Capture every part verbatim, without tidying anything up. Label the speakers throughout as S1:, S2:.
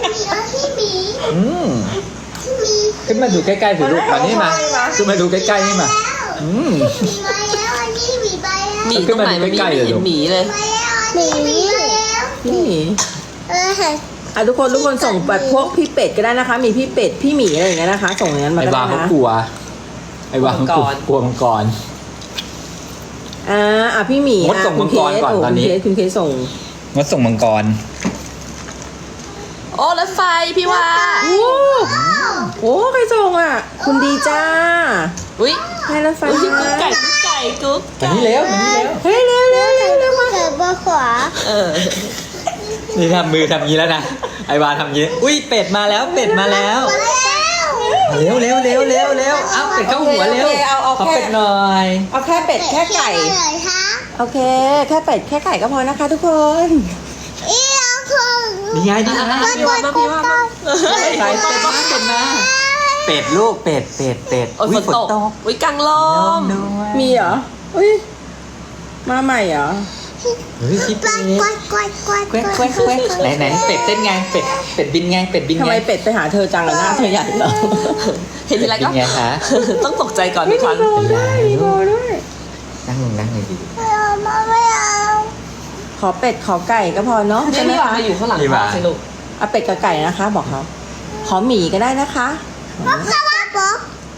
S1: พี่หมี
S2: อืมขึ้นมาดูใกล้ๆสิลูกมานี่มาขึ้นมาดูใกล้ๆนี่มาอืม
S1: หมีมาแล้วอันนี้หมีไปแล้ว
S3: หมีตรงไหนมันมีไม่เห็นหมีเลย
S1: มาแล้วอันนี้หมีมาแล้ว
S4: พี่หมี
S1: เออ
S4: อ่ะทุกคนทุกคนส่งแบบพวกพี่เป็ดก็ได้นะคะ มีพี่เป็ดพี่หมีอะไรอย่างเงี้ยนะคะ ส่งอย่างนั้นมา
S2: ไอ้
S4: ก็
S2: วา
S4: ได้
S2: เขา
S4: นะ
S2: กลัวไอ้วาเขากลัว
S3: มังกร
S2: กลัวมังกร
S4: อ่าอ่ะพี่หมี
S2: งดส่งมังกรก่อน
S4: โ
S2: ตอนนี้
S4: คุณเคสคุณเคสส่ง
S2: งดส่งมังกร
S3: โอ้รถไฟพี่ว่า
S4: โอ้โหใครส่งอ่ะ คุณดีจ้า
S3: อุ้ย
S4: ให้รถไฟ
S3: อุ้ย
S4: มา
S3: กุ๊กไก่กุ๊กไก่กุ๊ก
S2: มานี่เร็วมานี่เร็ว
S4: เฮ้ยเร็วเร็วเร็วเร็วมา
S1: เกิดบนขวา
S3: เออ
S2: นี่ทำมือทำงี้แล้วนะไอ้วาทำงี้อุ้ยเป็ดมาแล้วเป็ดมาแล้ว
S1: มาแล้ว
S2: เร็วเร็วเร็วเร็วเร็วเอาเป็ดเข้าหัวเร็ว
S4: โอเคเอาเอา
S2: ขอ
S4: แค่
S2: เป็ดหน่อย
S4: เอาแค่เป็ดแค่ไก่
S1: เลยฮะ
S4: โอเค แค่เป็ดแค่ไก่ก็พอนะคะ ทุกคน
S1: อีเอาคือ
S2: นี่ไงนี่ไง
S3: พี่ว่ามาพี่ว่ามา
S2: ใส่เป็ดมาเป็ดมาเป็ดลูกเป็ดเป็ดเป็ด
S3: โอ้ยฝนตกอุ้ยกลางลม
S2: ด้วย
S4: มีเหรออุ้ยมาใหม่เหรอ
S2: เฮ้ยพี่
S1: ก
S2: เป็
S1: วา
S2: ด
S1: ดกวาดกวาดกวาด
S2: แควกแควกแควกไหนไหนเป็ดเต้นไงเป็ดเป็ดบินไงเป็ดบิน
S4: ทำ
S2: ไง
S4: ไมเป็ดไปหาเธอจังเลยหน้าเธอใหญ่เหรอ
S3: เห็นทีไร
S2: เป็
S3: ก็
S2: นไงคะ
S3: ต้องตกใจก่อนทุกครั้ง
S4: มีโบด้วยมีโบด้วย
S2: นั่งลงนั่งเลยดี
S1: ไม่เอามาไม่เอา
S4: ขอเป็ดขอไก่ก็พอเนาะ
S3: นี่
S4: ใช่ไหม
S3: พี่ว่า
S4: คะ
S3: มาอยู่ข้างหลังพ่อสิลูก
S4: เอาเป็ดกับไก่นะคะ บอกเขาขอหมีก็ได้นะคะ
S1: ป๊อกป๊อกป๊อก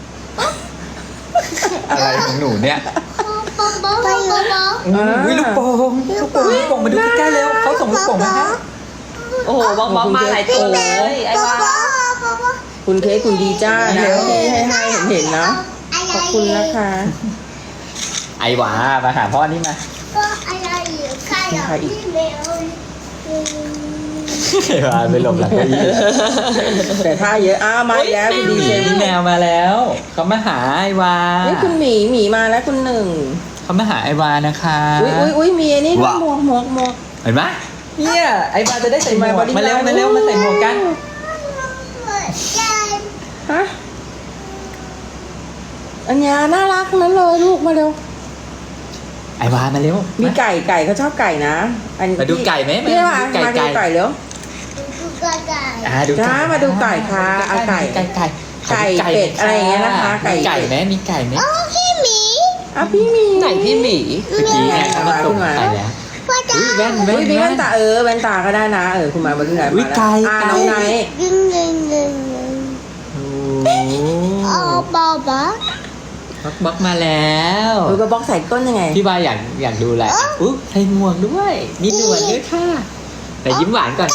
S2: อะไรของหนูเนี่ย
S1: ป๊อกป๊อกป๊อกป๊อก
S2: อืมอุ้ยลูกโป่งลูกโป่งลูกโป่งมาดูใกล้ๆเร็วเขาส่งลูกโป่งมาให้
S3: โอ้โหบล็อกบล็อกมาหลายตัวเลยไอ้ว่า
S4: คุณเคสคุณดีจ้านะที่ให้ให้เห็นเห็นๆนะขอบคุณนะคะ
S2: ไอ้หวามาหาพ่อนี่มา
S1: ก็อะไรอยู่ใครอ่ะพี่เมล
S2: ไอ้หวาไปหลบหลังเก้าอี้
S4: แต่ถ้าเยอะอ้าวมาอีกแล้วคุณดีเจ
S2: พี่แมวมาแล้วเขามาหาไอ้วา
S4: นี่คุณหมีหมีมาแล้วคุณหนึ่ง
S2: เขามาหาไอ้วานะคะ
S4: อุ้ยอุ้ยอุ้ยมีอันนี้ด้วยหมวกหมวกหมวก
S2: เห็นไหมเนี่ยไอ้วาจะได้ใส่หมวกมาเร็วมาเร็วมาใส่หมวกกัน
S4: ฮะอันนี้น่ารักนั้นเลยลูกมาเร็ว
S2: ไอ้วามาเร็ว
S4: มีไก่ไก่เขาชอบไก่นะอัน
S2: มาดูไก่ไหม
S4: พี่ว่า
S2: ไก่
S4: มาดู
S2: ไก่
S4: ไก่เร็ว
S2: อ่าดู
S4: จ้ามาดูไก่ค่ะเอาไก่
S2: ไก่ไก่
S4: ไก่เป็ดอะไรอย่างเงี้ยนะคะไก่
S2: มีไก่ไหมมีไก่ไหม
S1: พี่หมี
S4: อ่ะพี่หมี
S3: ไหนพี่หมี
S2: เมื่อกี้ไงเขามาส่งไปแล้ว
S1: พ่อจ๋า
S2: อุ้ยแว่นแว่
S4: อุ้
S2: น
S4: ยมีแว่น
S2: แว่น
S4: ตาเออแว่นตาก็ได้นะเออคุณมาบนไหน
S2: อุ๊
S4: มาย แล้ว
S2: ไก่
S4: อ่า
S2: ไก่
S4: น้องไนท์
S1: ดึงดึงดึงดึง
S2: โอ้
S1: เอาบอบ๊อบ
S2: บักบักมาแล้ว
S4: เออกระบอกใส่ก้นยังไง
S2: พี่วาอยากอยากดูอะไรอุ๊ยใส่หมวกด้วย มีหนวดด้วยค่ะ แต่ยิ้มหวานก่อน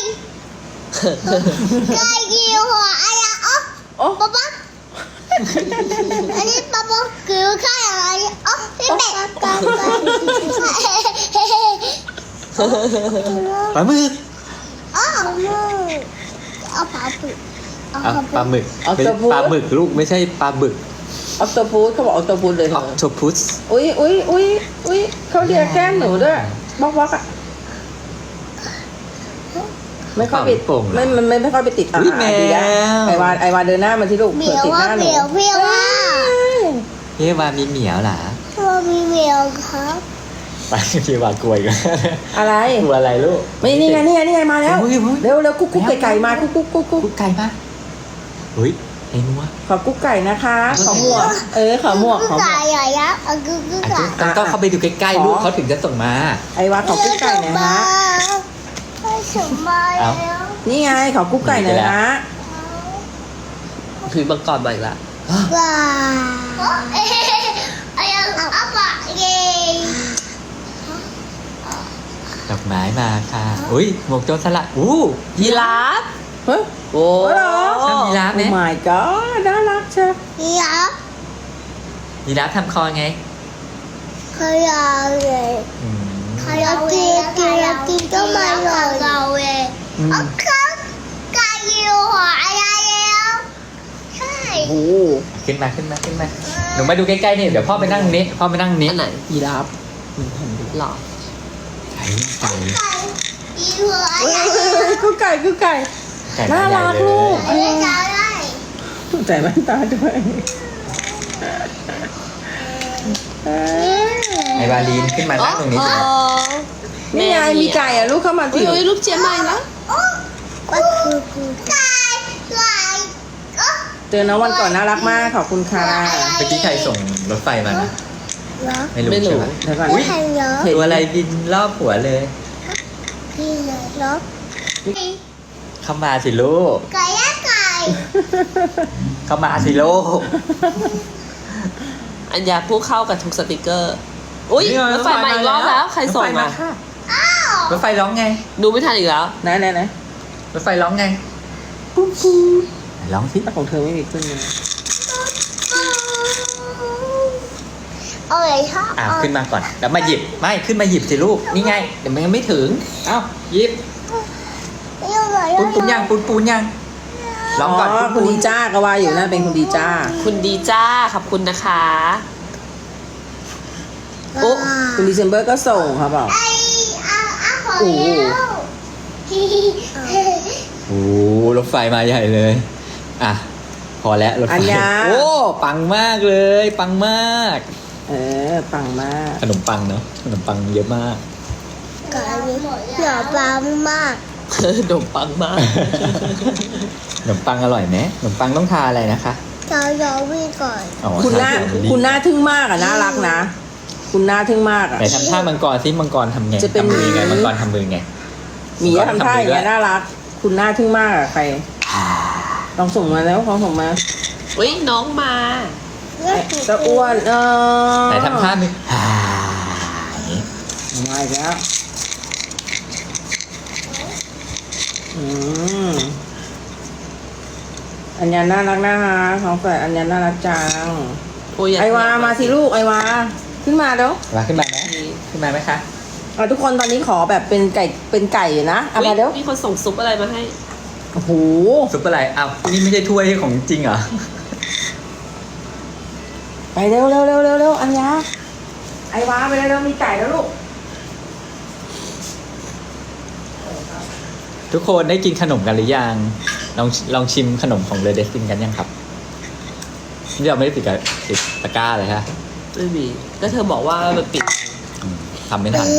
S1: ไก่กิวหัวอะไรอ๋อ
S4: โอ้
S1: บ๊อบบ๊อบอันนี้บ๊อบบ๊อบกิวข้าวอะไรอ๋อพี่เป็ด
S2: ปลาหมึก
S1: อ๋อเอาปลาบึกเอา
S2: อ่ะป
S1: ป
S2: ลา
S1: ลา
S2: หมึกไม่ใช่ปลาหมึกลูกไม่ใช่ปลาบึก
S4: ออคโตพูสเขาบอกออคโตพูสเลยเธ
S2: ออ
S4: อ
S2: โตพุส
S4: อุ้ยอุ้ยอุ้ยอุ้ยเขาเรียกแก้มหนูด้วยบล็อกบล็อกอ่ะไม่ค่อยไปไม่มันไม่ไม่ค่อยไปติดอ่ะ
S2: อุ๊ยแม
S4: ดีนะ
S2: ว
S4: ไอวานไอวานเดินหน้ามาที่ลูก
S1: เหมี
S4: เผื่อ
S1: ยว
S4: ติดห
S1: ว่า
S4: น้าห
S1: เห
S4: นู
S1: มียวเหมียวว่า
S2: พี่วามีเหมียวเหรอ
S1: ว่ามีเหมียวครับ
S2: ไปพี่วากลัวอีกแล้ว
S4: อะไร
S2: กลัวอะไรลูก
S4: ไม่นี่ไงนี่ไงนี่ไงมาแล้ว
S2: เฮ้ยเฮ้ย
S4: เร็วเร็วกุ๊กกุ๊กไก่ไก่มากุ๊กกุ๊กกุ๊กกุ๊ก
S2: กุ๊กไก่ปะเฮ้ยไอ้นัว
S4: ขอกุ๊กไก่นะคะขอหมวกเออขอหมวกขอหมว
S1: ไก่
S4: ก
S1: ใหญ่ยักษ์เอากึกกึก
S2: อ่ะ
S1: ไก่
S2: ต้องต้องเข้าไปดูใกล้ๆลูกเขาถึงจะส่งมา
S4: ไอวานขอกุ๊กไก่หน่อยนะ
S1: ไม่สมมาแล้ว
S4: นี่ไงขอกุ๊กไก่หน่อยนะ
S3: ผีมังกรมาอีกละ
S1: ว้าเอ๊ะไอ้ยังอัปะเย่
S2: ดอกไม้มาค่ะอุ้ยหมวกโจรสลัดอู้
S3: ยีราฟ
S4: เฮ้ย
S3: โอ้
S4: โอ้เหรอ
S2: ชอบยีราฟไหม
S4: Oh my god น่ารักเชียว
S1: ยักษ์
S2: ยีราฟทำคอไง
S1: ขยะเลย
S2: อืม
S1: ขยะกินกินกินก็ไม่เลยเราเอง
S2: อืม
S1: เอาเขาไก่อยู่หัวอะไรแล้วใช่
S4: โอ้
S2: ขึ้นมาขึ้นมาขึ้นมาหนูมาดูใกล้ๆนี่เดี๋ยวพ่อไปนั่งนี้พ่อไปนั่งนี้
S3: อันไหน
S4: ยีราฟ
S3: หรอ
S2: ไก่ไก่
S1: ไก่อยู่หัวอะ
S4: เฮ้
S1: ไร
S4: ยเฮ้ยเฮ้ยกุ๊กไก่กุ๊กไก่
S2: ไก่
S4: น่ารักลูก
S1: ไม่ได้จะได้
S4: ใส่แว่นตาด้วยเอ้ย
S2: ไอ้วาลีนขึ้นมานั่งตรงนี้สิ
S4: นี่ไงมีไก่อ่ะลูกเข้ามา
S3: อุ้
S4: สิ
S3: ยอุ้ยรูปเจี๊ยบมาอีกแล้ว
S1: โอ้ก็คือคือไก่ไก่ก็
S4: เจอน้องวันก่อนน่ารักมากขอบคุณค่ะ
S2: เมื่อกี้ใครส่งรถไฟมานะ
S1: เหรอ
S2: ไม่รู้
S3: ไม่รู้
S2: ใช่ปะ
S4: เดี๋ยวก่อน
S1: ไม่ทันเหรอ
S2: ตัวอะไรบินรอบหัวเลย
S1: พี่เหรอ
S2: เข้ามาสิลูก
S1: ไก่อะไก่
S2: เข้ามาสิลูก
S3: อัญญาผู้เข้ากับทุกสติกเกอร์ อุ้ยรถไฟมาอีกรอบแล้ว ใครส่ง
S2: ถไฟ
S3: มา
S2: ค่ะ
S1: อ้าว
S2: รถไฟร้องไง
S3: ดูไม่ทันอีกแล้ว
S4: ไหนไหนไหน
S2: รถไฟร้องไงปุ๊บปุ๊บไหนร้องสิ
S4: ของเธอไม่มีขึ้นเลย
S1: เอาอะไรชอบ
S2: อ้าวขึ้นมาก่อนแล้วมาหยิบไม่ขึ้นมาหยิบสิลูกนี่ไงเดี๋ยวมันยังไม่ถึงเอ้าหยิบ
S1: เอาอะไร
S2: ปูนปูนยังปูนปูนยังร้องก่อน
S4: อ๋อ
S2: ปูน
S4: คุณ
S2: ปูน
S4: ดีจ้าก็ว่าอยู่นั่นเป็นคุณดีจ้า
S3: คุณดีจ้า ขอบคุณนะคะ โอ้
S4: คุณดีเซมเบอร์ก็ส่งครับบอก
S1: ไอ้อาอาขอ
S4: โอ้โห
S1: แล้ว
S2: โอ้รถไฟมาใหญ่เลยอ่ะพอแล้วรถไฟ
S4: อัญญา
S2: โอ้ปังมากเลยปังมาก
S4: เออปังมาก
S2: ขนมปังเนาะขนมปังเยอะมาก
S1: ไก่หน่อปลามาก
S3: ดมปังมาก
S2: ขนมปังอร่อยไหมขนมปังต้องทาอะไรนะคะ
S1: เรายอวิ่งก่อน
S2: อ๋อ
S4: คุณหน้า
S2: ทเจลลี่
S4: คุณหน้าทึ่งมากอ่ะน่ารักนะ คุณหน้าทึ่งมากอ่ะ
S2: ไหนทำท่ามังกรซิมังกรทำไง
S4: จะเป็น
S2: ทำมือไง
S4: หมี
S2: มังกรทำมือไง
S4: หมีก็ทำท่าอย่างเงี้ยน่ารัก คุณหน้าทึ่งมากอ่ะใครลองส่งมาแล้วลองส่งมา
S3: อุ้ยน้องมา
S1: เลือก
S4: ไอ้ตะอ้วนเออ
S2: ไหนทำท่ามืออ่าอย่างนี้
S4: มาอีกแล้วอืมอัญญาน่ารักน่ารักของแฝดอัญญาน่ารักจัง
S3: โอ้ยยก
S4: ไอวามาสิลูกไอวาขึ้นมาเดี๋ยว
S2: มาขึ้นมาไหมขึ้นมาไหมคะ
S4: เอาทุกคนตอนนี้ขอแบบเป็นไก่เป็นไก่อยู่นะเอา
S3: อุ๊ย
S4: มาเดี๋ยว
S3: มีคนส่งซุปอะไรมาให้
S4: โอ้โห
S2: ซุปอะไรอ้าวนี่ไม่ใช่ถ้วยของจริงเหรอ
S4: ไปเร็วเร็วเร็วเร็วเร็วอัญญาไอวาไปเร็วเร็วมีไก่แล้วลูก
S2: ทุกคนได้กินขนมกันหรือยังลองลองชิมขนมของเรเดสตินกันยังครับนี่เราไม่ได้ติดกับติดตะกร้าเลยฮะ
S3: ไม่มี ก็เธอบอกว่ามันปิด
S2: อืมทำไม่ทัน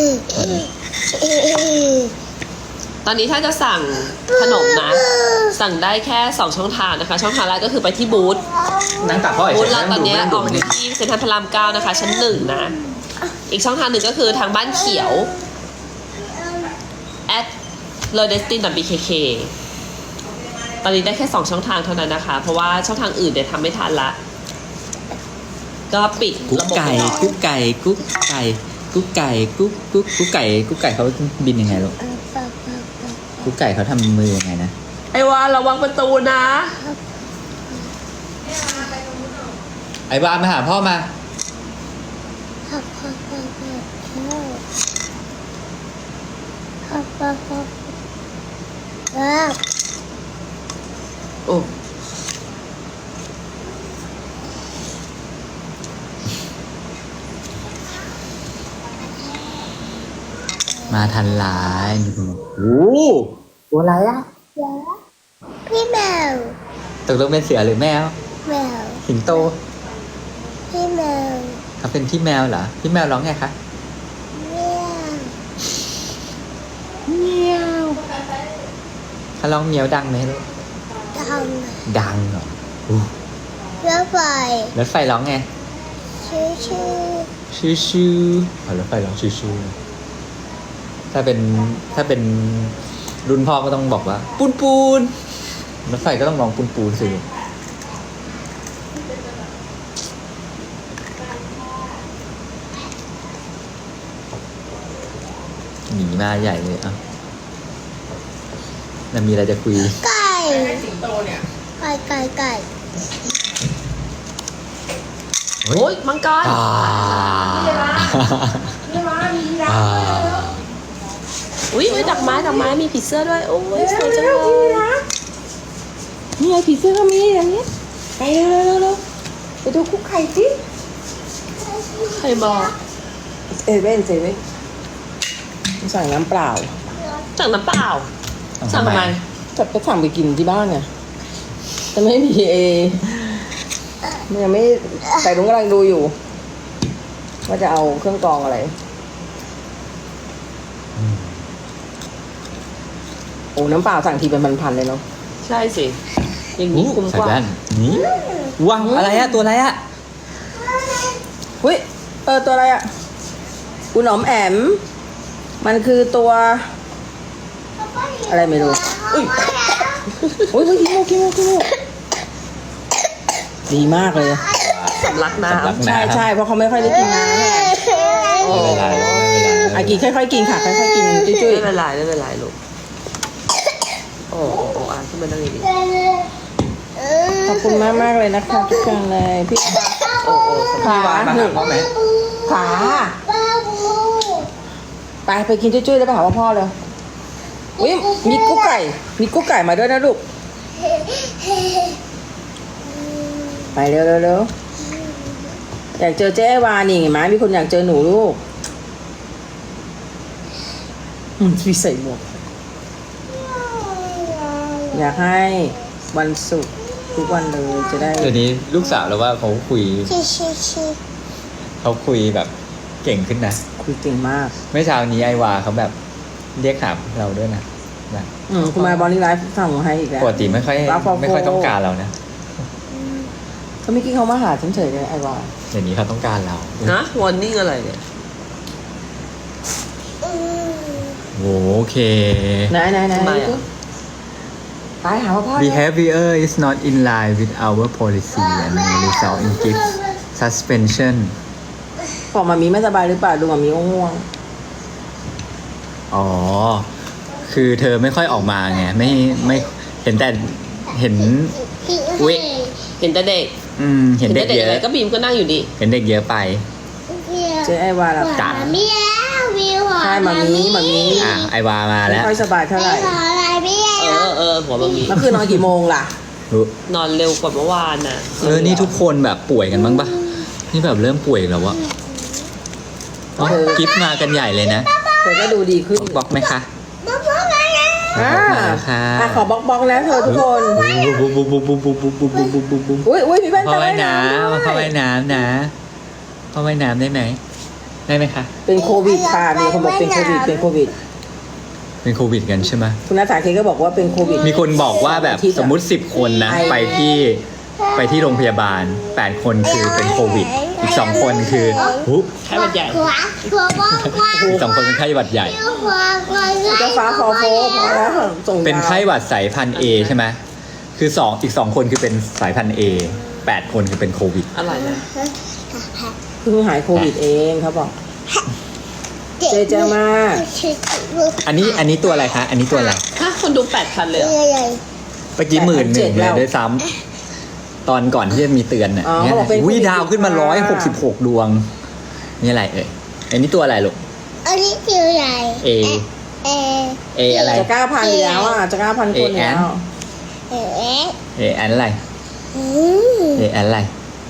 S3: ตอนนี้ถ้าจะสั่งขนมนะ สั่งได้แค่สองช่องทางนะคะ ช่องทางแรกก็คือไปที่บูธ
S2: นั่งตักพ่อ
S3: บูธ
S2: เฉย
S3: เรา
S2: ๆ
S3: ตอนเนี้ย
S2: นั่ง
S3: อ
S2: ดู
S3: อก
S2: นั่ง
S3: อ
S2: ดู
S3: ยู่ที่เซ็นทรัลพระรามเก้านะคะ ชั้นหนึ่งนะ อีกช่องทางหนึ่งก็คือทางบ้านเขียว at l o d e s t i n b k k ตอนนี้ได้แค่สองช่องทางเท่านั้นนะคะ เพราะว่าช่องทางอื่นเนี่ยทำไม่ทันละ ก็ปิด
S2: กุ๊ก
S3: ระบบ
S2: ไก่
S3: ไปก่อน
S2: กุ๊กไก่กุ๊กไก่กุ๊กไก่กุ๊กกุ๊กกุ๊กไก่กุ๊กไก่เขาบินยังไงลูกกุ๊กไก่เขาทำมือยังไงนะ
S3: ไอ้วานระวังประตูนะ
S2: ไอ้บ้านมาหาพ่อมา
S1: ครับครับครับครับครับครับครับ
S3: โอ้
S2: มาทันหลายโอ้ตัวอะไรอ่ะ
S1: พี่แมว
S2: ตกลงเป็นเสือหรือแมว
S1: แมว
S2: สิงโต
S1: พี่แมว
S2: เขาเป็นพี่แมวเหรอพี่แมวร้องไงคะ
S1: แมว
S2: เมียวเขาร้องเมียวดังไหมลูก
S1: ท
S2: ดังเหรออู้
S1: ำรถไฟ
S2: รถไฟร้องไง
S1: ชื่อชื่อ
S2: ชื่อชื่ออ๋อรถไฟร้องชื่อชื่อถ้าเป็นถ้าเป็นรุ่นพ่อก็ต้องบอกว่า ปูนปูนรถไฟก็ต้องร้องปูนปูนสิหนีมาใหญ่เลยอ่ะแล้วมีอะไรจะคุย
S1: ไก่
S4: สิงโตเนี่ย
S1: ไก่ไก่ไก่
S3: โอ้ยมังกร
S2: อ่า
S4: นี่มามีรัก
S2: อ่า
S3: อุ้ยอุ๊ยดอกไม้ดอกไม้มีผีเสื้อด้วย โอ้ยสวยจังเลย
S4: นี่ไงผีเสื้อก็มีอย่างนี้ไปเร็วเร็วเร็วเร็วไปดูคุกไข่สิ
S3: ใครบอก
S4: เซเว่นเซเว่นสั่งน้ำเปล่า
S3: สั่งน้ำเปล่า สั่งทำไม
S4: จะไปสั่งไปกินที่บ้านไงแต่ไม่มีเอมันยังไม่แต่ลุงกำลังดูอยู่ ว่าจะเอาเครื่องกรองอะไร โอ้อ้น้ำเปล่าสั่งทีเป็นพันๆเลยเนาะ
S3: ใช่สิ อย่างนี้คุ้ม
S2: ใส่
S3: กว่า
S2: แว่นนี่ว้าวอะไรอะตัวอะไรอะ
S4: เฮ้ยเออตัวอะไรอ่ะคุณหนอมแอม มันคือตัว อะไรไม่รู้ อุ้ยโอ้ยขี้มูกขี้มูกขี้มูกดีมากเลย
S3: สำลักน้
S2: สำลัก
S4: ใช่ใช่เพราะเขาไม่ค่อยได้กินน้ำเนี่ย
S2: ไม่เป็นไรไม่เป็นไร
S4: อากิค่อยๆกินค่ะค่อยๆกิน
S3: ำ
S4: จุ้ย
S3: ไม่เป็นไรไม่เป็นไรลูก โอ้โอ้โอ้อ่ะขึ้นมานั่งดี
S4: ๆขอบคุณมากมากๆเลยนะคะทุกคนเลยพี่
S3: ๆโอ้โอ้
S4: ขา
S2: มา
S4: ห
S2: หา
S4: นึ่ง
S2: พ่อไหม
S4: ขา
S1: บ้าบู
S4: ไปไปกินจุ้ยๆแล้วไปหาว่าพ่อเลยอุ้ยมีกุ๊กไก่ มีกุ๊กไก่มาด้วยนะลูก ไปเร็วเร็วเร็วอยากเจอเจ๊ไอวานี่เห็นไหมมีคนอยากเจอหนูลูกอืมพี่ใส่หมวกอยากให้วันศุกร์ทุกวันเลยจะได้
S2: เดี๋ยวนี้ลูกสาวเราว่าเขาคุย
S1: ชิชิชิ
S2: เขาคุยแบบเก่งขึ้นนะ
S4: คุยเก่งมาก
S2: เมื่อเช้านี้ไอวาเขาแบบเรียกหาเราด้วยนะแบบ
S4: อืมคุณมาบอลลี่ไลฟ์สั่งมาให้อีกแล้ว
S2: ปกติไม่ค่อย
S4: รับฟอร์โฟ
S2: ไม่ค่อยต้องการเรานะ
S4: เขาไม่อกี้เขามาหาฉันเฉยเลยไอวา
S2: เดี๋ยวนี้เขาต้องการเรา
S3: นะวอร์นิ่งอะไรเนี่ย
S1: อืม
S2: โอเค
S4: ไหนไหนไหน
S3: ทำไมอะ
S4: ไปหาว่าพ่อเลย
S2: behavior is not in line with our policy and may result in gift suspension
S4: บอกมามีไม่สบายหรือเปล่าดูมามีง่วง
S2: อ๋อ คือเธอไม่ค่อยออกมาไง ไม่ไม่เห็นแต่เห็น อุ๊ย
S3: เห็นแต่เด็ก
S2: อืม เห็นเด็ก
S3: แต่
S2: เย
S3: เด็กอะไร
S2: อะ
S3: ก็บีมก็นั่งอยู่ดี
S2: เห็นเด็กเยอะไป
S4: ๆเจ๊ไอวาละ
S2: จ้ะ
S1: มีแล้ววิว
S4: ใช่มามีมามี
S2: อ่ะ ไอวามา
S4: ไม่
S2: แล้ว
S4: ค่อยสบายเท่าไหร่
S1: ขออะไรไม่แล้
S3: เอ
S1: ว
S3: อเออหัวบะหมี่
S4: เมื่อคืนนอนกี่โมงล่ะ
S2: รู้
S3: นอนเร็วกว่าเมื่อวานน่ะ
S2: เออ นี่ทุกคนแบบป่วยกันบ้างปะนี่แบบเริ่มป่วยแล้ววะอ๋อกิฟต์มากันใหญ่เลยนะ
S4: เธอก็ดูดีขึ้น
S2: บล็อกไหมคะ
S1: มาพบกันนะ
S4: อ่า
S2: มาแล้วค่ะ
S4: อ่ะขอบล็อกบล็อกแล้วเธอทุกคน
S2: บุ๊บบุ๊บบุ๊บบุ๊บบุ๊บบุ๊บบุ๊บบุ๊บบุ๊บบุ๊บบุ๊บ
S4: อุ้ยอุ้ยมีแว่น
S2: เข้า
S4: ตา
S2: ว่ายน้
S4: ด้วย
S2: ำเข้าว่ายน้ำนะเข้าว่ายน้ำได้ไหม ได้ไหมคะ
S4: เป็นโควิดค่ะมีคนบอกเป็นโควิดเป็นโควิด
S2: เป็นโควิดกันใช่ไหม
S4: คุณนัทสาเคก็บอกว่าเป็นโควิด
S2: มีคนบอกว่าแบบสมมุติสิบคนนะ
S4: ไอ
S2: ไปที่ไปที่โรงพยาบาลแปดคนคือเป็นโควิด อีกสองคนคือหุ
S3: ไข้หวัดใหญ่
S1: ขวาขวาขวาขวา
S2: อีกสองคนเป็นไข้หวัดใหญ่
S1: ขวาขวา
S4: เจ้าฟ้าคอโฟพอแล้วส่งยา
S2: เป็นไข้หวัดสายพันธุ์ A ใช่ไหมคือสองอีกสองคนคือเป็นสายพันธุ์ A แปดคนคือเป็นโควิด
S3: อะไรนะ
S4: เพิ่งหายโควิดเองเขาบอก เจเจมาก
S2: อันนี้อันนี้ตัวอะไรคะ อันนี้ตัวอะไร
S3: ฮะคนดูแปดพันเลยเหรอ
S1: ใหญ่
S2: เมื่อกี้หมื่นหนึ่ง
S4: แปดพันเจ็ด
S2: เล
S4: แล้
S2: ยว ด้วยซ้ำตอนก่อนที่จะมีเตือนน่ะ
S4: อ๋อ
S2: เนี่ย
S4: เขาบอกเป็น
S2: วิ
S4: โควิด
S2: ดาวขึ้นมาร้อยหกสิบหกดวง นี่อะไรเอ่ย อันนี้ตัวอะไรลูก
S1: อันนี้คืออะไร
S2: A
S1: เอ
S2: A อะไร
S4: จะเก้าพันอยู่แล้วอ่ะจะเก้าพันคนแล้ว
S1: เอเอ
S2: A อันอะไร
S1: อืม
S2: A อันอะไร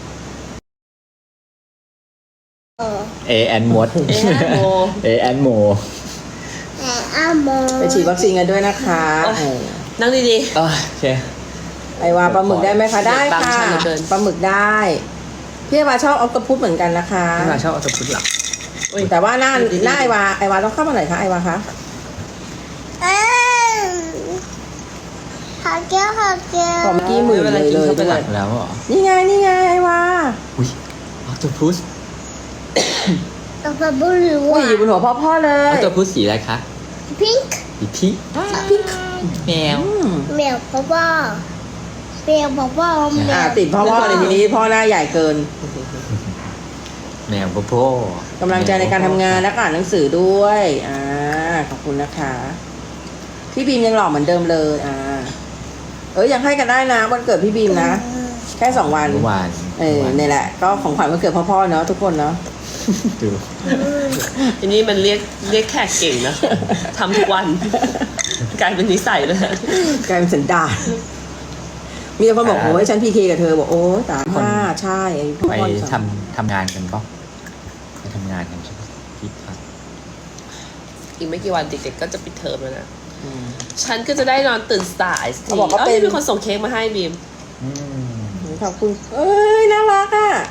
S1: เออ
S2: A อันมด
S3: โม
S2: A อันโม
S1: แออาโม
S4: ไปฉีดวัคซีนกันด้วยนะคะ
S3: โอ้ย
S4: เออ
S3: นั่งดี
S2: โอเค
S4: ไอวาปลาหมึกได้ไหมคะได้
S3: บาง
S4: ค่ะ
S3: ชั้นเหลือเกิน
S4: ปลาหมึกได้พี่ไอวาชอบออคโตพุสเหมือนกันนะคะ
S2: พี่มาชอบเอาตะพุดหลับ
S4: แต่ว่าหน้าหน้าไอวาไอวาต้องเข้ามาไหนคะไอวาคะ
S1: เอ้ยขอเกี้ยวขอเกี้ยว
S4: พอเมื่อกี้หมื่นเลยเลย
S3: ไม่เป็น
S4: ด้
S3: ไร
S4: วย
S2: แล้วเหรอ
S4: นี่ไงนี่ไงไอวา
S2: อุ้ยเอาตะพุส
S1: ตัวปลาบูหรือ
S4: อุ้
S1: ว่าย
S4: อยู่บนหัวพ่อพ่อเล
S2: เอา
S4: ย
S2: ตะพุสสีอะไรคะ
S1: พิงค์
S2: สีพี่
S4: พิงค์
S2: แมว
S4: อืม
S1: แมวพ่อพ่อแมวพ่อพ่อแม
S4: อ่าว ติดพ่อพ่อเลยทีนี้พ่อหน้าใหญ่เกิน
S2: แมวโปโป
S4: กำลังใจในการทำงานและอ่านหนังสือด้วยอ่าขอบคุณนะคะ พี่บีมยังหล่อเหมือนเดิมเลยอ่าเออยังให้กันได้นะวันเกิดพี่บีมนะ แค่สองวัน
S2: เมื่อวาน
S4: เออนี่แหละ ก็ของขวัญวันเกิดพ่อๆเนาะทุกคนเนาะ
S2: ดู
S3: ๆอันนี้มันเรียกเรียกแขกเก่งนะทำทุกวัน กลายเป็นนิสัยเลย
S4: กลายเป็นสันดานมีแต่คนบอกโอ้ยฉันพีเคกับเธอบอกโอ้ยตามห้าใช่ไอ้พ่
S2: ไป
S4: อ
S2: ทำทำงานกันปะไปทำงานกันใช่ปะคิดครับ
S3: อีกไม่กี่วันเด็กๆก็จะปิดเทอมแล้วนะ
S4: อืม
S3: ฉันก็จะได้นอนตื่นสายสิ
S4: เขาบอกว่า
S3: เอ้
S4: เป็
S3: ย
S4: น
S3: มีคนส่งเค้กมาให้บีม
S2: อืม
S4: ขอบคุณเอ้ยน่ารักอ่ะ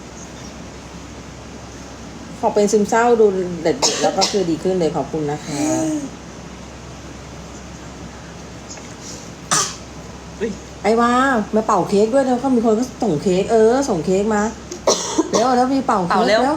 S4: พอเป็นซึมเศร้าดูเด็ดๆแล้วก็คือดีขึ้นเลยขอบคุณนะคะ
S3: อุ๊ย
S4: ไอ้ว่ามาเป่าเค้กด้วยแล้วก็มีคนก็ส่งเค้กเออส่งเค้กมาเร็วแล้วมีเป่าเค้กแล้ว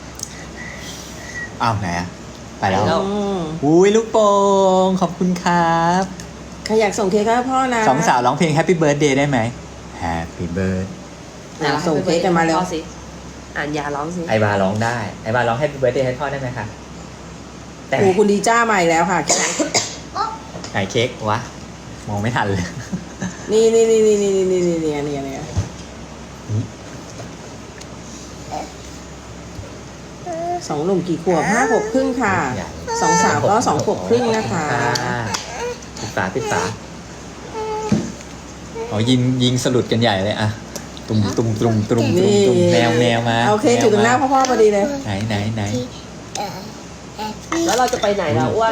S2: อ้าวไหนอะไปแล้ว
S3: ไปแล้ว
S4: อืม
S2: อุ้ยลูกโป่งขอบคุณครับ
S4: ใครอยากส่งเค้กให้พ่อนะ
S2: สองสาวร้องเพลง Happy Birthday ได้ไหม Happy Birthday
S4: อ่ะส่งเค้กกันมาเร็ว
S3: พ่อสิอ่านยาร้องสิ
S2: ไอบาร้องได้ ไอบาร้อง Happy Birthday ให้พ่อได้ไหมคะแต่
S4: โอ้คุณดีจ้ามาอีกแล้วค่ะ
S2: ไหนเค้กวะ มองไม่ทันเลย
S4: นี่นี่นี่นี่นี่นี่นี่นี่นี่นี่สองหนุ่มกี่ขวบห้าขวบครึ่งค่ะสองสาวก็สองขวบครึ่งนะคะ
S2: ปิดฝาปิดฝาอ๋อยิงยิงสลุดกันใหญ่เลยอะตุ่มตุ่มตุ่มตุ่มตุ่ม
S4: นี่
S2: ตุ่มแมวแมวมา
S4: เอาเค้กอยู่ตรงหน้าพ่อพ่อพอดีเลย
S2: ไหนไหนไหน
S3: แล้วเราจะไปไหนล่ะอ้วน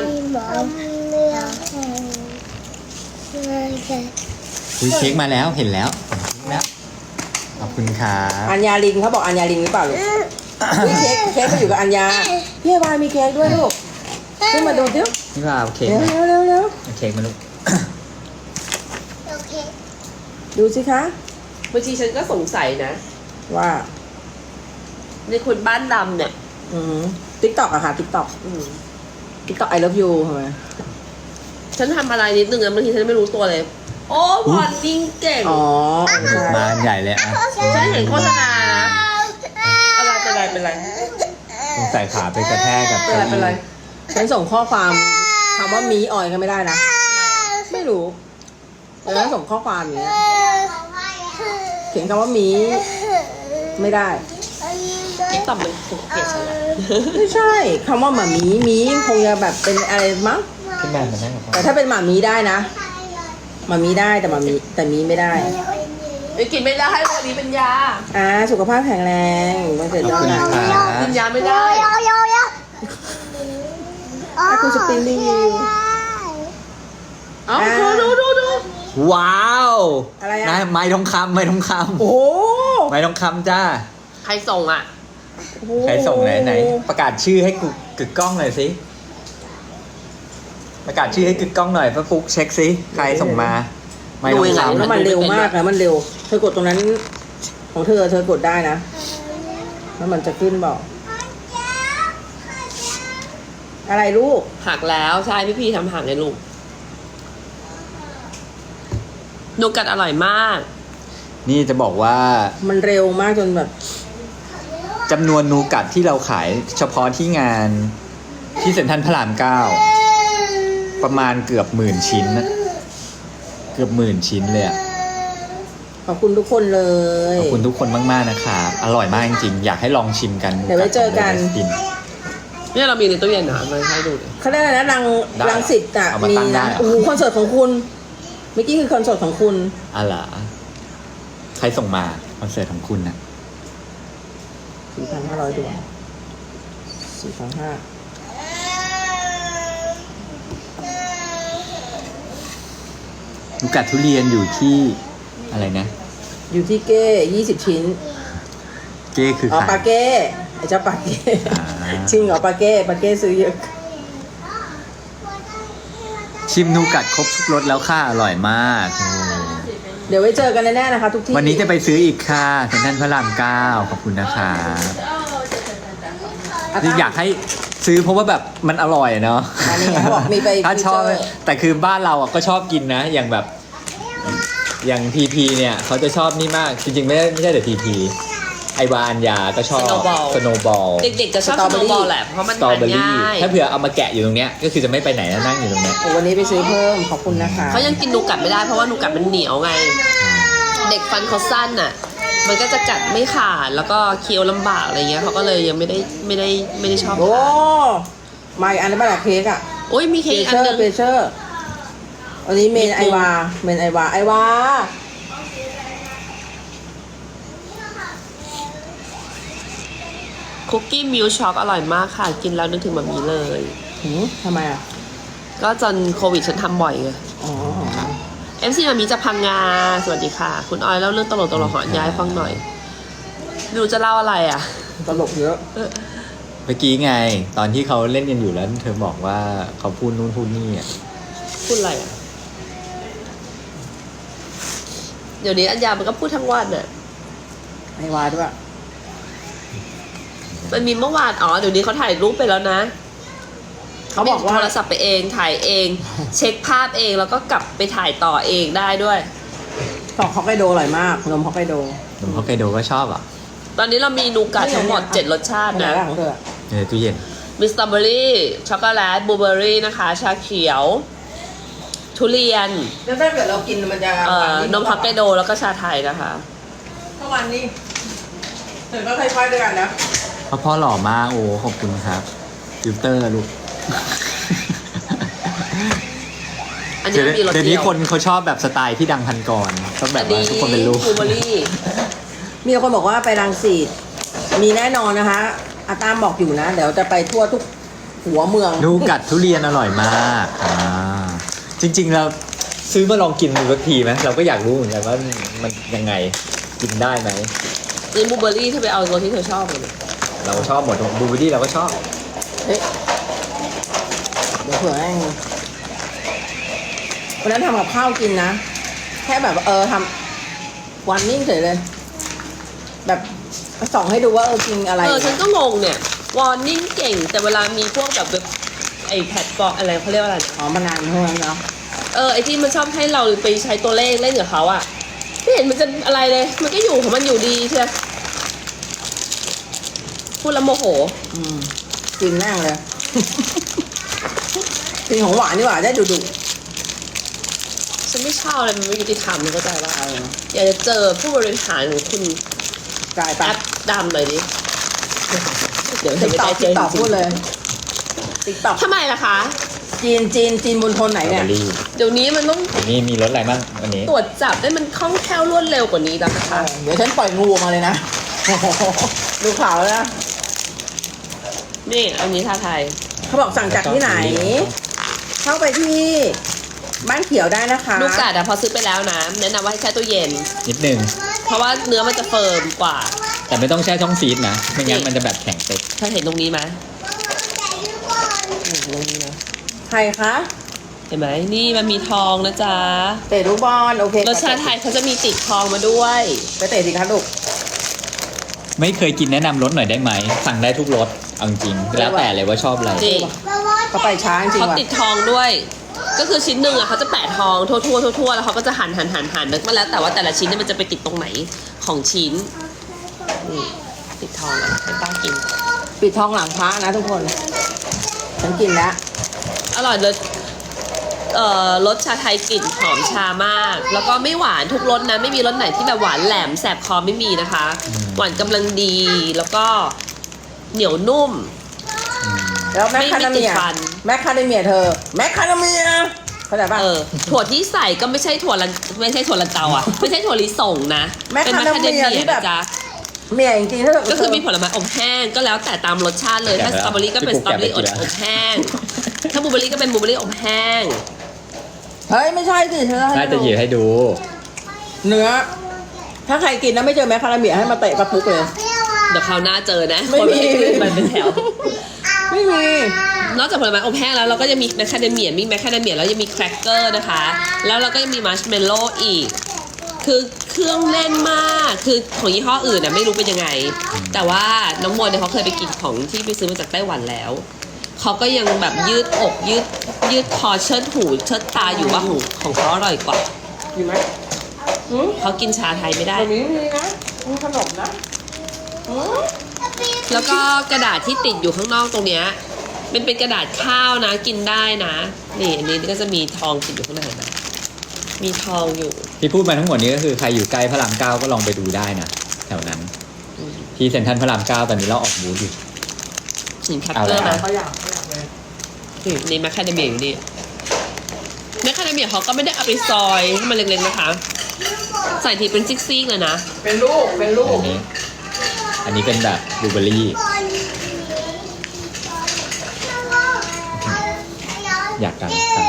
S2: อุ้ยเค้กมาแล้วเห็นแล้วเห็นเค้กแล้วขอบคุณครับ
S4: อัญญาลิงเขาบอกอัญญาลิงหรือเปล่าลูกอุ๊ยเค้กเค้กมาอยู่กับอัญญาพี่วายมีเค้กด้วยลูกขึ้นมาดูดิ
S2: นี่ว่าเอาเค้ก
S4: เร็ว
S2: มา
S4: เร็วเร็วเร็ว
S2: เอาเค้กมาลูก
S1: โอเค
S4: ดูสิคะ
S3: บางทีฉันก็สงสัยนะ
S4: ว่า
S3: ในคนบ้านดำเนี่ย
S4: อืมติ๊กต็อกอะค่ะติ๊กต็อก
S3: อืม
S4: ติ๊กต็อกไอเลิฟยูทำไม
S3: ฉันทำอะไรนิดนึงนะบางทีฉันไม่รู้ตัวเลย โอ้ผ่อนยิ่งเก่ง
S4: อ๋อใช่
S2: มาอันใหญ่เลยอะ
S3: ฉันเห็นโฆษณานะอะไรเป็นไรเป็นไร
S2: ต้องใส่ขาไปกระแทกกับ
S3: เป็นไรเป็นไร
S4: ฉันส่งข้อความคำว่ามีออยก็ไม่ได้นะ ไม่รู้แล้วส่งข้อความอย่างเงี้ยเขียนคำว่ามีไม่ได้
S3: ติ๊กต็อกมันถูกเกลียดฉันแหละ
S4: ไม่ใช่คำว่าหมามีมีคงจะแบบเป็นอะไรมั้ง
S2: ขึ้นมามานั่งกับพ่อ
S4: แต่ถ้าเป็นหมามีได้นะหมามีได้แต่หมามีแต่มีไม่ได้
S3: ไปกินไม่ได้ให้วันนี้เป็นยา
S4: อ่าสุขภาพแข็งแรงวันเกิด
S2: ข
S4: ย้
S2: อบ
S4: อน
S2: คุณ
S4: หลัง
S2: ครับ
S3: กินยาไม่ได้
S1: โยโยโย
S4: ถ้าคุณสปริงรีวิว
S3: เอ้าดูดูดูดู
S2: ว้าว
S4: อะไรอะ
S2: นไม้ทองคำไม้ทองค
S4: โอ้โห
S2: ำไม้ทองคำจ้า
S3: ใครส่งอ่ะ
S2: ใครส่งไหนไหนประกาศชื่อให้กูกึกกล้องหน่อยสิประกาศชื่อให้กึกกล้องหน่อยพระฟุกเช็คสิใครส่งมาไม้ทอง
S3: ดูยังไง
S2: คำ
S4: แล้วมันเร็วมากนะมันเร็ว เธอกดตรงนั้นของเธอเธอกดได้นะแล้วมันจะขึ้นบอก อะไรลูก
S3: หักแล้วใช่พี่พีทำหักเลยลูกนูกัดอร่อยมาก
S2: นี่จะบอกว่า
S4: มันเร็วมากจนแบบ
S2: จำนวนนูกัดที่เราขายเฉพาะที่งานที่เซ็นทรัลพระรามเก้าประมาณเกือบหมื่นชิ้นนะเกือบหมื่นชิ้นเลยอะ
S4: ขอบคุณทุกคนเลย
S2: ขอบคุณทุกคนมากๆนะครับอร่อยมากจริงๆอยากให้ลองชิมกัน
S4: เดี๋ยวไว้เจอกัน
S2: กิน
S3: เนี่ยเรามีในตู้เย็นนะมาให้ดูดิ
S4: เขาเรียกอะไรนะรัง
S2: ได้
S4: รังสิตอ่ะ
S2: เอามา
S4: มี
S2: ตั้งได้
S4: นะ
S2: เหรอ
S4: โอ้โหคอนเสิร์ตของคุณเมื่อกี้คือคอนเสิร์ตของคุณ
S2: อะไรใครส่งมาคอนเสิร์ตของคุณนะ
S4: สี่พันห้าร้อยดวงสี่พันห้า
S2: นูกัดทุเรียนอยู่ที่อะไรนะ
S4: อยู่ที่เก้ยี่สิบชิ้น
S2: เก้คือ
S4: อ๋อ
S2: ใคร
S4: ปาเก้ไอ้เจ้าปาเก้
S2: อ่า
S4: จริงเหรอปาเก้ปาเก้ซื้อเยอะ
S2: ชิมนูกัดครบทุกรสแล้วค่ะอร่อยมากโอ้
S4: เดี๋ยวไว้เจอกันแน่ๆนะคะ ทุกที่
S2: วันนี้จะไปซื้ออีกค่ะเซ็นทรัลพระรามเก้าขอบคุณนะคะคืออยากให้ซื้อเพราะว่าแบบมันอร่อยเนาะ
S4: อันนี้เขาบอกมีไป
S2: ถ้าชอบ
S4: ฟีเจร์
S2: แต่คือบ้านเราอ่ะก็ชอบกินนะ อย่างแบบอย่างทีพีเนี่ยเขาจะชอบนี่มากจริงๆไม่ได้ไม่ใช่แต่ทีพีไอวาอัญญาก็ชอบ
S3: Snowball
S2: สโนบอล
S3: เด็กๆจะชอบสโนว์บอลแหละเพราะมัน
S2: สตรอ
S3: ทาน
S2: เบอรี่
S3: ง่าย
S2: ถ้าเผื่อเอามาแกะอยู่ตรงเนี้ยก็คือจะไม่ไปไหนนะนั่งอยู่ตรงเนี้ย
S4: โอ้วันนี้ไปซื้อเพิ่มขอบคุณนะคะ
S3: เขายังกินนูกัดไม่ได้เพราะว่านูกัดมันเหนียวไง เด็กฟันเขาสั้นน่ะ มันก็จะกัดไม่ขาดแล้วก็เคี้ยวลำบากอะไรเงี้ยเขาก็เลยยังไม่ได้ไม่ได้ไม่ได้ชอบ
S4: โอ้
S3: ทาน
S4: มาอีกอันนี้มาจากเค้กอะ
S3: โอ้ยมีเค้
S4: เป
S3: กอีกอั
S4: เช
S3: น
S4: อ
S3: หนึ
S4: ร์
S3: ง
S4: เปเชอร์วันนี้เมน
S3: มี
S4: ไอวาเมนไอวาไอวา
S3: คุกกี้มิลช็อกอร่อยมากค่ะ กินแล้วนึกถึงแบบนี้เลย
S4: หืมทำไมอะ
S3: ก็จนโควิดฉันทำบ่อยไง
S4: อ๋อ
S3: เอฟซีมามีจะพังงาสวัสดีค่ะ คุณออยเล่าเรื่องตลกตลกหอนย้ายฟังหน่อยไม่รู้จะเล่าอะไรอ่ะ
S4: ตลกเยอะ
S2: เมื่อกี้ไง ตอนที่เขาเล่นกันอยู่แล้วเธอบอกว่าเขาพูดนู่นพูดนี่อ่ะ
S3: พูดอะไรอ่ะเดี๋ยวนี้อัญญามันก็พูดทั้งวันอ่ะ
S4: ไอวาด้วย
S3: มันมีเมื่อวานอ๋อเดี๋ยวนี้เขาถ่ายรูปไปแล้วนะ
S4: เขาบอกว่า
S3: โทรศัพท์ไปเองถ่ายเอง เช็คภาพเองแล้วก็กลับไปถ่ายต่อเองได้ด้วย
S4: ของฮอกไกโดอร่อยมากนมฮอกไกโด
S2: หนุ่มฮอกไกโดก็ชอบอ่ะ
S3: ตอนนี้เรามีนูกัดทั้งหมดเจ็ดรสชาติ
S4: อะไร
S3: นะ
S4: บ้างของเธอ
S2: ในตู้เย็น
S3: มีสตรอเบอรี่ช็อกโกแลตบลูเบอรี่นะคะ ชาเขียว ทุเรียน
S4: แล้วถ้าเกิดเรากินมันจะ
S3: เอ่อนมฮอกไกโดแล้วก็ชาไทยนะคะ
S4: เมื่อวานนี้เธอก็ค่อยๆด้วยกันนะ
S2: พ่อพ่อหล่อมากโอ้ขอบคุณครับฟิลเตอร์ลูก
S3: อัน
S2: เดี๋
S3: นี้
S2: ยว
S3: มีรส
S2: เดี๋ยว
S3: เดี
S2: นี้
S3: ยว
S2: คนเขาชอบแบบสไตล์ที่ดังพันกรต้องแบบว่าทุกคนเป็นลูก
S3: บลูเบอรี่
S4: มีคนบอกว่าไปรังสิตมีแน่นอนนะคะอาตามบอกอยู่นะ เดี๋ยวจะไปทั่วทุกหัวเมือง
S2: นูกัดทุเรียนอร่อยมากอ่าจริงๆเราซื้อมาลองกินดูสักทีไหมเราก็อยากรู้เหมือนกันว่ามันยังไงกินได้ไหม
S3: นี่บลูเบอรี่เธอไปเอารสที่เธอชอบเลย
S2: เราชอบหมดบลูเบอร์รี่เราก็ชอบ
S4: เฮ้ยเดี๋ยวเผื่อให้วันนั้นทำกับข้าวกินนะ แค่แบบเออทำวันนิ่งเฉยเลย แบบส่องให้ดูว่าเออกินอะไร
S3: เออฉันก็งงเนี่ยวอร์นิ่งเก่ง แต่เวลามีพวกแบบเว็บไอแพดฟอร์อะไรเขาเรียกว่าอะไร
S4: อ๋อมานานเท่านั้นเนาะ
S3: เออไอที่มันชอบให้เราไปใช้ตัวเลขเล่นกับเขาอะไม่เห็นมันจะอะไรเลย มันก็อยู่ของมันอยู่ดีเชียวพูดแล้วโมโห
S4: อืมกินแน่งเลย กินของหวานดีกว่าได้ดุดุ
S3: ฉันไม่ชอบอะไรมันไม่ยุติธรรมเข้าใจว่า
S4: เออ
S3: อยากจะเจอผู้บริหารของคุณ
S4: กลาย
S3: แอ
S4: ไป
S3: ปดำหน่อยดิ เดี๋ยวเธ
S4: ติ๊
S3: อก ไม่
S4: ตอก
S3: ได้เจ
S4: ติ๊
S3: อก
S4: ตอก
S3: จริ
S4: พู
S3: ง
S4: ดเลยติ๊กตอก
S3: ๆทำไมล่ะคะ
S4: จีนจีนจีนบนทนไหน
S2: สตรอ
S4: เนี่ย
S2: เบอรี่
S3: เดี๋ยวนี้มันต้อง
S2: อันนี้มีรสอะไรบ้างวันนี้
S3: ตรวจจับได้มันคล่องแคล่วรวดเร็วกว่านี้แล้วนะ
S4: เอ
S3: คะ
S4: อเดี๋ยวฉันปล่อยงูออกมาเลยนะ ดูข่าวแล้วนะ
S3: นี่อันนี้ชาไทย
S4: เขาบอกสั่งจากที่ไหน เข้าไปที่บ้านเขียวได้นะคะ
S3: ลูกกาดอะพอซื้อไปแล้วนะแนะนำว่าให้แช่ตู้เย็น
S2: นิดนึง
S3: เพราะว่าเนื้อมันจะเฟิร์มกว่า
S2: แต่ไม่ต้องแช่ช่องฟรีซนะไม่งั้นมันจะแบบแข็งเต็ก
S3: เธอเห็นตรงนี้ไหม
S1: แต่ดูก่อน
S3: เห็นตรงนี้นะ
S4: ใครคะ
S3: เห็นไหมนี่มันมีทองนะจ๊ะ
S4: เตะลูกบอลโอเค
S3: รสชาติไทยเขาจะมีติดทองมาด้วย
S4: ไปเตะสิคะลูก
S2: ไม่เคยกินแนะนำรสหน่อยได้ไหมสั่งได้ทุกรสเอาจริงแล้วแต่เลยว่าชอบอะไร
S3: จริง
S1: บอบอ
S4: เขาไปช้าจริง
S3: เขา
S4: ว่ะ
S3: ติดทองด้วย ก็คือชิ้นหนึ่งอะเขาจะแปะทองทั่วทั่วทั่วทั่วแล้วเขาก็จะหั่นหั่นหั่นหั่นนึกมาแล้วแต่ว่าแต่ละชิ้นเนี่ยมันจะไปติดตรงไหนของชิ้นนี่ติดทองอะให้ป้ากิน
S4: ปิดทองหลังพระนะทุกคน ฉันกินแล้ว
S3: อร่อยเลยเอ่อรสชาไทยกลิ่นหอมชามาก แล้วก็ไม่หวานทุกรสนะ ไม่มีรสไหนที่แบบหวานแหลมแสบคอไม่มีนะคะ หวานกำลังดีแล้วก็เหนียวนุ่ม
S4: แล้วแมคคาเดเมีย
S3: ไม่ติดฟัน
S4: แมคคาเดเมียเธอ แมคคาเดเมียเข้าใจป่ะ
S3: เออถั่วที่ใส่ก็ไม่ใช่ถั่วลันไม่ใช่ถั่วลันเตาอ่ะ ไม่ใช่ถั่วลิสงนะ
S4: แมค
S3: เป็น
S4: คา
S3: แมค
S4: เด
S3: คา
S4: เมี
S3: เด
S4: ย
S3: เมีย
S4: ที่แบบ
S3: นะจ๊ะ
S4: เมียจริงๆถ้าเกิด
S3: ก็คือมีผลไม้อบแห้งก็แล้วแต่ตามรสชาติเลย ถ้าสตรอเบอรี่ก็เป็นสตรอเบอรี่อบอบแห้ง ถ้าบลูเบอรี่ก็เป็นบลูเบอรี่อบแห้ง
S4: เฮ้ยไม่ใช่สิเธอ
S2: น่าจะหยิบให้ดู
S4: เนื้อ ถ้าใครกินแล้วไม่เจอแมคคาเดเมียให้มาเตะปะทุกเลย
S1: เปรี้ยวอ่ะ
S3: เดี๋ยวคราวหน้าเจอนะ
S4: ไม่
S3: คน
S4: มี
S3: ไม่ได้ขึ้นมาเป็นแถว
S4: ไม่มี
S3: นอกจากผลไม้อบแห้งแล้วเราก็จะมีแมคคาเดเมียมีแมคคาเดเมียแล้วยังมีแครกเกอร์นะคะ แล้วเราก็ยังมีมัชเมลโล่อีก คือเครื่องแน่นมาก คือของยี่ห้ออื่นน่ะไม่รู้เป็นยังไง แต่ว่าน้องโมเนี่ยเขาเคยไปกินของที่ไปซื้อมาจากไต้หวันแล้ว เขาก็ยังแบบยืดอกยืดยืดคอเชิดหูเชิดตาอยู่ว่าของของเขาอร่อยกว่า
S4: มีไหมอืม
S3: เขากินชาไทยไม่ได้
S4: ตรงนี้มีนะมีขนมนะอืม
S3: แล้วก็กระดาษที่ติดอยู่ข้างนอกตรงเนี้ยมันเป็นกระดาษข้าวนะกินได้นะ นี่อันนี้ก็จะมีทองติดอยู่ข้างในนะมีทองอยู่
S2: ที่พูดมาทั้งหมดนี้ก็คือใครอยู่ใกล้พระรามเก้าก็ลองไปดูได้นะแถวนั้น ที่เซ็นทรัลพระรามเก้าตอนนี้เราออกบูธอยู่
S3: หินแคป
S2: เอา
S3: เต
S2: เล
S3: อย ร์
S2: ครั
S3: นะ
S2: บ
S4: เขาอยากเขาอยากเลย
S3: นี่นี่แมคคาเดเมียอยู่นี่แมคคาเดเมียเขาก็ไม่ได้เอาไปซอยให้มันเล็กๆนะคะ ใส่ทีเป็นซิกๆเลยนะ
S4: เป็นลูก เป็นลู
S2: อั
S4: ก
S2: นนี้ อันนี้เป็นแบบบลูเบอร์รี่ อยากกันกัน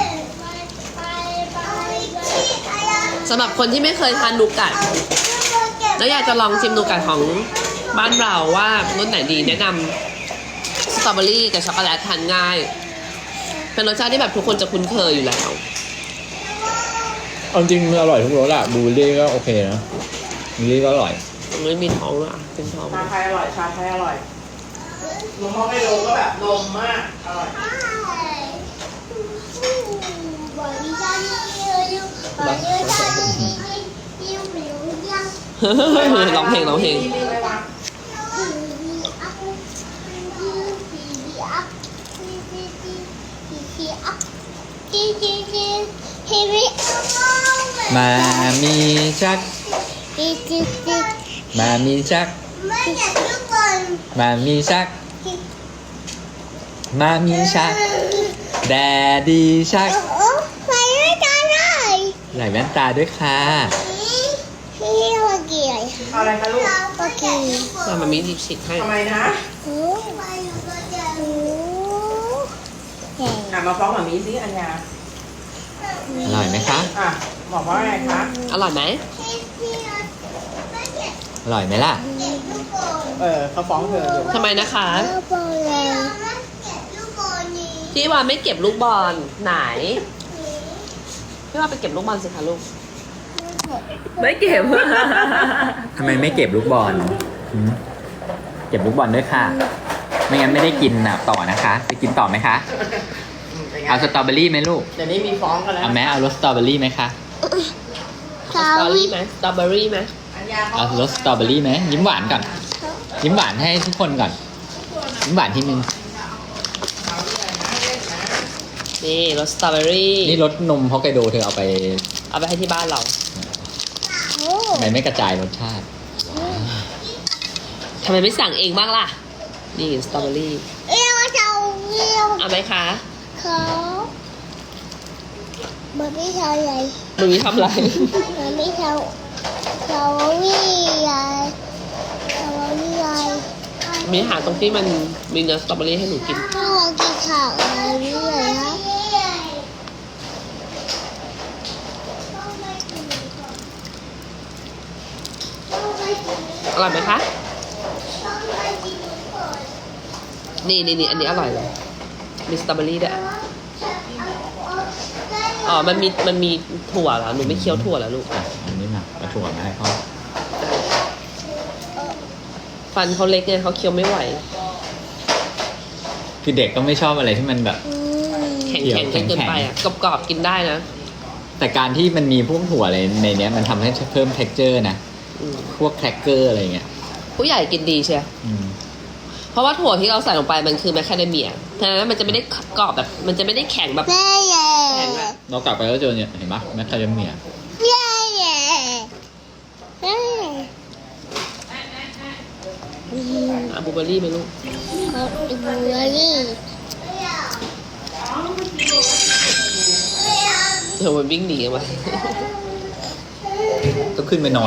S3: สำหรับคนที่ไม่เคยทานนูกัดแล้วอยากจะลองชิมนูกัดของบ้านเราว่ารสไหนดีแนะนำสตรอเบอรี่กับช็อกโกแลตทานง่าย เป็นรสชาติที่แบบทุกคนจะคุ้นเคยอยู่แล้ว
S2: เอาจริงมันอร่อยทุกรสอะบลูเบอร์รี่ก็โอเคนะบลูเบอร์รี่ก็อร่อย
S3: ไม่มีท้องด้วยอ่ะเป็นท้อง
S4: ชาไทยอร่อย ชาไทยอร่อยนมฮอกไกโดก็แบบนมมาก อร่อย
S3: ร้องเพลงร้องเพลง
S2: มามีชัก มามีชัก
S1: ไม่อยากลูกบอล
S2: มามีชัก มามีชัก แดดีชัก
S1: โอ้ไปไม่ได้เลย
S2: ใส่แว่นตาด้วยค่ะ
S1: พี่โอเกียร์
S4: เอาอะไรคะลูก
S1: โอเค
S3: มามามีดิบสิกให้
S4: ทำไมนะ
S1: โอ้โห
S4: อ่ะมาฟ้องแบบนี้สิอัญญา
S2: อร่อยไหมคะ
S4: อ่ะ บอกว่าไงคะ
S3: อร่อยไหม
S2: อร่อยไหมล่ะ
S4: เออเขาฟ้องเธออยู่
S3: ทำไมนะคะ
S1: ลูกบอลเลย
S3: พี่วานไม่เก็บลูกบอลไหนพี่วานไปเก็บลูกบอลสิคะลูก ไม่เก็บ
S2: ทำไมไม่เก็บลูกบอลหืมเก็บลูกบอลด้วยค่ะ ไม่งั้นไม่ได้กินอ่ะต่อนะคะไปกินต่อไหมคะ
S4: อืมเป็นไง
S2: เอาสตรอเบอรี่ไหมลูก
S4: เดี๋ยวนี้มีฟ้องกันแล้ว
S2: เอาไหมเอารสสตรอเบอรี่ไหมคะ
S3: สตรอเบอรี่ไหมสตรอเบอรี่ไหม
S4: อัญญาเขา
S2: เอารสสตรอเบอรี่ไหมยิ้มหวานก่อน ยิ้มหวานให้ทุกคนก่อน ยิ้มหวานทีนึง
S3: นี่รสสตรอเบอรี่
S2: นี่รสนมฮอกไกโดเธอเอาไป
S3: เอาไปให้ที่บ้านเรา
S2: ทำไมไม่กระจายรสชาติ
S3: ทำไมไม่สั่งเองบ้างล่ะ นี่สตรอเบอรี่
S1: เอวเจ้าเอว
S3: เอาไหมคะ
S1: เขามันไม่เท่าไร
S3: มึงทำอะไร
S1: มันไม่เท่าเขาวิ่งไรเขาวิ่งไร
S3: มีอาหารตรงที่มันมีเนื้อสตรอเบอรี่ให้หนูกิน
S1: ถ้าเรากินข้าวอะไรวิ่งไรครับ
S3: อร่อยไหมคะ นี่นี่นี่อันนี้อร่อยเลย มีสตรอเบอรี่ด้วยอ๋อ มันมี มันมีถั่วเหรอ หนูไม่เคี้ยวถั่วแล้วลูก
S2: อ่ะอันนี้มาเอาถั่วมาให้เขา
S3: ฟันเขาเล็กไงเขาเคี้ยวไม่ไหว
S2: คือเด็กก็ไม่ชอบอะไรที่มันแบบ
S1: อืม
S3: แข็ง
S2: เดี๋ยว
S3: แข็งจนเกินไปอ่ะ กรอบๆกินได้นะ
S2: แต่การที่มันมีพวกถั่วอะไรในเนี้ยมันทำให้เพิ่ม texture นะ
S3: อืม
S2: พวกแครกเกอร์อะไรเงี้ย
S3: ผู้ใหญ่กินดีใช่ไหม
S2: อืม
S3: เพราะว่าถั่วที่เราใส่ลงไปมันคือแมคคาเดเมียฉะนั้นมันจะไม่ได้กรอบแบบ มันจะไม่ได้แข็งแบบ
S1: แย่แย่
S3: แข็งอะ
S2: เรากลับไปก็เจอเนี่ยเห็นปะแมคคาเดเมีย
S1: แย่แย่แย่
S3: อ่ะบลูเบอร์รี่ไหมลูก
S1: เขาดูนี่
S3: เดี๋ยวมันวิ่งหนีกันไป
S2: ก็ขึ้นไปนอน